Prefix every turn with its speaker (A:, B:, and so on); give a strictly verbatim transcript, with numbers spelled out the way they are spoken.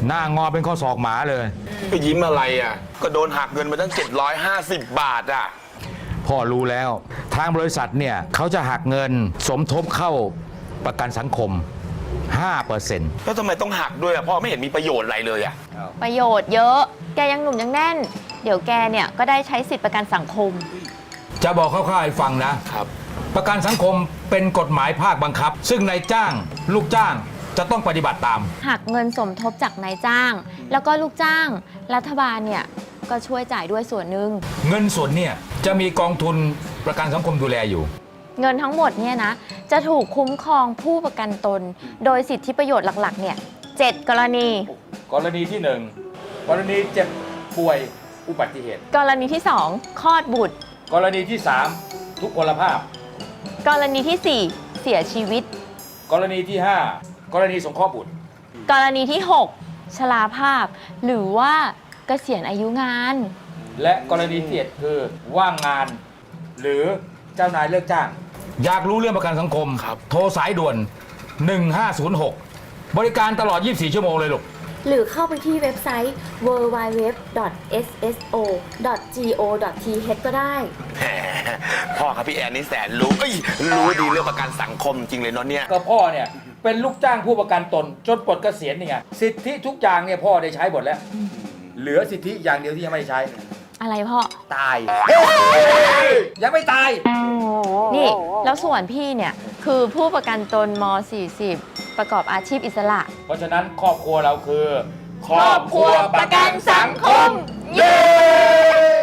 A: หน้างอเป็นข้อศอกหมาเลย
B: ไปยิ้มอะไรอ่ะก็โดนหักเงินมาตั้งเจ็ดร้อยห้าสิบบาทอ่ะ
A: พ่อรู้แล้วทางบริษัทเนี่ยเขาจะหักเงินสมทบเข้าประกันสังคม ห้าเปอร์เซ็นต์
B: แล้วทำไมต้องหักด้วยอ่ะพ่อไม่เห็นมีประโยชน์อะไรเลยอ่ะ
C: ประโยชน์เยอะแกยังหนุ่มยังแน่นเดี๋ยวแกเนี่ยก็ได้ใช้สิทธิประกันสังคม
A: จะบอกคร่าวๆให้ฟังนะครับประกันสังคมเป็นกฎหมายภาคบังคับซึ่งนายจ้างลูกจ้างจะต้องปฏิบัติตาม
C: หักเงินสมทบจากนายจ้างแล้วก็ลูกจ้างรัฐบาลเนี่ยก็ช่วยจ่ายด้วยส่วนหนึ่ง
A: เงินส่วนเนี่ยจะมีกองทุนประกันสังคมดูแลอยู่
C: เงินทั้งหมดเนี่ยนะจะถูกคุ้มครองผู้ประกันตนโดยสิทธิประโยชน์หลักๆเนี่ยเจ็ดกรณี
A: กรณีที่หนึ่งกรณีเจ็บป่วยอุบัติเหตุ
C: กรณีที่สองคลอดบุตร
A: กรณีที่สามทุพพลภาพ
C: กรณีที่สี่เสียชีวิต
A: กรณีที่ห้ากรณีสงเคราะห์บุตร
C: กรณีที่หกชราภาพหรือว่าเกษียณอายุงาน
A: และกรณีที่เจ็ดคือว่างงานหรือเจ้านายเลิกจ้างอยากรู้เรื่องประกันสังคมโทรสายด่วนหนึ่งห้าศูนย์หกบริการตลอดยี่สิบสี่ชั่วโมงเลยลูก
D: หรือเข้าไปที่เว็บไซต์ ดับเบิลยู ดับเบิลยู ดับเบิลยู ดอท เอส เอส โอ ดอท จี โอ ดอท ที เอช ก็ได้
B: แหมพ่อครับพี่แอนนี่แสนรู้เอ้ยรู้ดีเรื่องประกันสังคมจริงเลยเนาะเนี่ย
A: ก็พ่อเนี่ยเป็นลูกจ้างผู้ประกันตนจนปลดเกษียณนี่ไงสิทธิทุกอย่างเนี่ยพ่อได้ใช้หมดแล้วเหลือสิทธิอย่างเดียวที่ยังไม่ได้ใช้
C: อะไรพ่อ
A: ตายยังไม่ตาย
C: นี่แล้วส่วนพี่เนี่ยคือผู้ประกันตนม สี่สิบ ประกอบอาชีพอิสระ
A: เพราะฉะนั้นครอบครัวเราคือครอบครัวประกันสังคมเย้